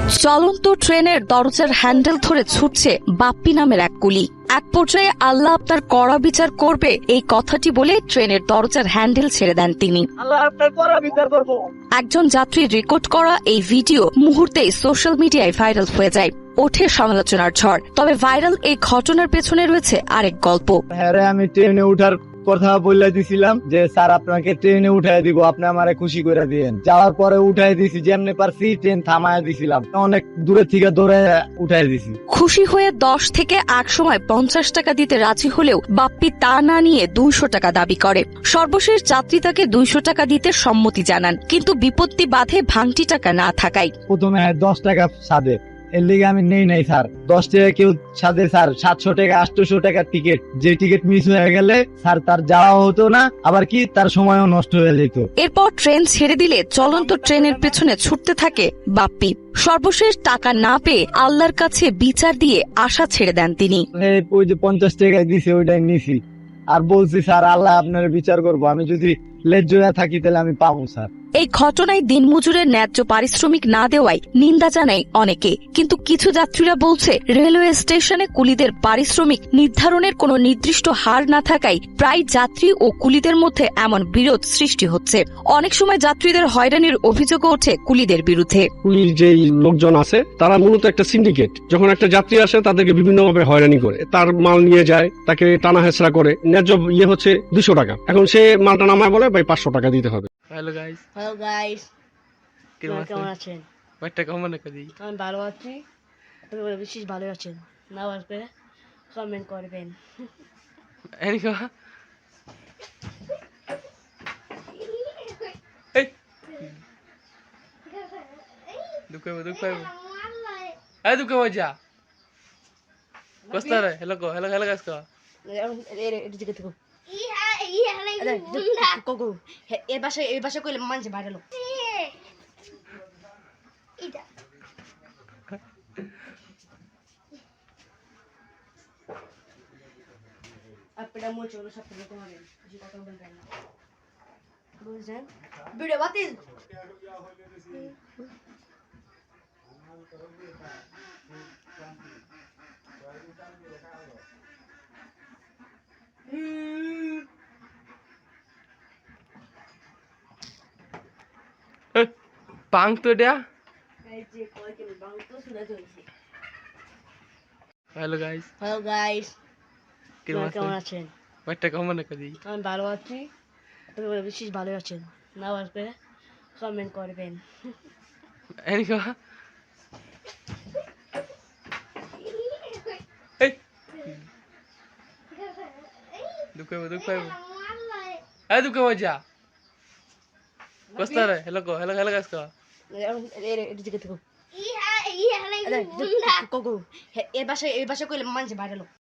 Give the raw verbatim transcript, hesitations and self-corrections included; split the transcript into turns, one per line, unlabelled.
চলন্ত ট্রেনের দরজার হ্যান্ডেল ধরে ছুটছে বাপ্পি নামের এক কুলি। এক পর্যায়ে আল্লাহ আপনার কড়া বিচার করবে এই কথাটি বলে ট্রেনের দরজার হ্যান্ডেল ছেড়ে দেন তিনি।
আল্লাহ আপনার কড়া বিচার করব।
একজন যাত্রীর রেকর্ড করা এই ভিডিও মুহূর্তেই সোশ্যাল মিডিয়ায় ভাইরাল হয়ে যায়। ওঠে সমালোচনার ঝড়। তবে ভাইরাল এই ঘটনার পেছনে রয়েছে আরেক গল্প।
হ্যাঁ রে, আমি ট্রেনে উঠার কথা বলে দিছিলাম যে স্যার আপনাকে ট্রেনে উঠাই দিব, আপনি আমারে খুশি করে দিয়েন। যাওয়ার পরে উঠাই দিছি, যেমনি পারছি ট্রেন থামায় দিছিলাম, অনেক দূরে থেকে দৌড়ে উঠাই দিছি।
খুশি হয়ে দশ থেকে এক সময় পঞ্চাশ টাকা দিতে রাজি হলেও বাপ্পি তা না নিয়ে দুইশো টাকা দাবি করে। সর্বশেষ যাত্রী তাকে দুইশো টাকা দিতে সম্মতি জানান, কিন্তু বিপত্তি বাধে ভাঙটি টাকা না থাকায়।
প্রথমে দশ টাকা সাদে, এর লিগে আমি নেই নাই স্যার। দশ টাকা কেউ সাদে স্যার, সাতশো টাকা আটশো টাকার টিকিট, যে টিকিট মিস হয়ে গেলে স্যার তার যাওয়া হতো না, আবার কি তার সময়ও নষ্ট হয়ে যেত।
এরপর ট্রেন ছেড়ে দিলে চলন্ত ট্রেনের পেছনে ছুটতে থাকে বাপ্পি। সর্বশেষ টাকা না পেয়ে আল্লাহর কাছে বিচার দিয়ে আশা ছেড়ে দেন তিনি।
এই ওই যে পঞ্চাশ টাকা দিছে ওইটাই নিছি, আর বলছি স্যার আল্লাহ আপনার বিচার করবো, আমি যদি লেজ্জ হয়ে থাকি তাহলে আমি পাবো স্যার।
এই ঘটনায় দিনমজুরের ন্যায্য পারিশ্রমিক না দেওয়ায় নিন্দা জানায় অনেকে, কিন্তু কিছু যাত্রীরা বলছে রেলওয়ে স্টেশনে কুলিদের পারিশ্রমিক নির্ধারণের কোনো নির্দিষ্ট হার না থাকায় প্রায় যাত্রী ও কুলিদের মধ্যে এমন বিরোধ সৃষ্টি হচ্ছে। অনেক সময় যাত্রীদের হয়রানির অভিযোগও ওঠে কুলিদের বিরুদ্ধে।
পুলিশ যে লোকজন আছে তারা মূলত একটা সিন্ডিকেট। যখন একটা যাত্রী আসে তাদেরকে বিভিন্নভাবে হয়রানি করে, তার মাল নিয়ে যায়, তাকে টানা হেঁচড়া করে। ন্যায্য ইয়ে হচ্ছে দুশো টাকা, এখন সে মালটা নামায় বলে ভাই পাঁচশো টাকা দিতে হবে।
হ্যালো গাইস,
হ্যালো গাইস,
কেমন
কেমন
আছেন?
আছেন?
বাইকটা কেমন করি?
আমি ভালো আছি, আপনারা বিশেষ ভালো আছেন না? আসবে কমেন্ট করবেন।
এনিকো এই দুঃখ দুঃখ এই দুঃখ মজা কস্তারে হ্যালো কো হ্যালো হ্যালো গাইস কো
এদিকে থেকে কোকো এই ভাষা এই ভাষা কইলে মানুষ ভাইরাল লোক। আপনারা মোচ হলো সব থেকে তোমাদের বেশি কথা বলবেন না, বুঝছেন? ভিডিও বাতিল।
পাং তো এটা।
এই যে কয়দিন বাংলা তো শুনে চলছে।
হ্যালো গাইস,
হ্যালো গাইস,
কেমন
কেমন
আছেন?
আছেন?
বাইকটা কেমন করি?
আমি ভালো আছি, আপনারা বিশেষ ভালো আছেন না? আসবে কমেন্ট করবেন।
এনিকো এই দুঃখ দুঃখ এই দুঃখ মজা কস্তারে হ্যালো কো হ্যালো হ্যালো গাইস কো
এদিকে থেকে কোকো এই ভাষা এই ভাষা কইলে মানুষ ভাইরাল লোক।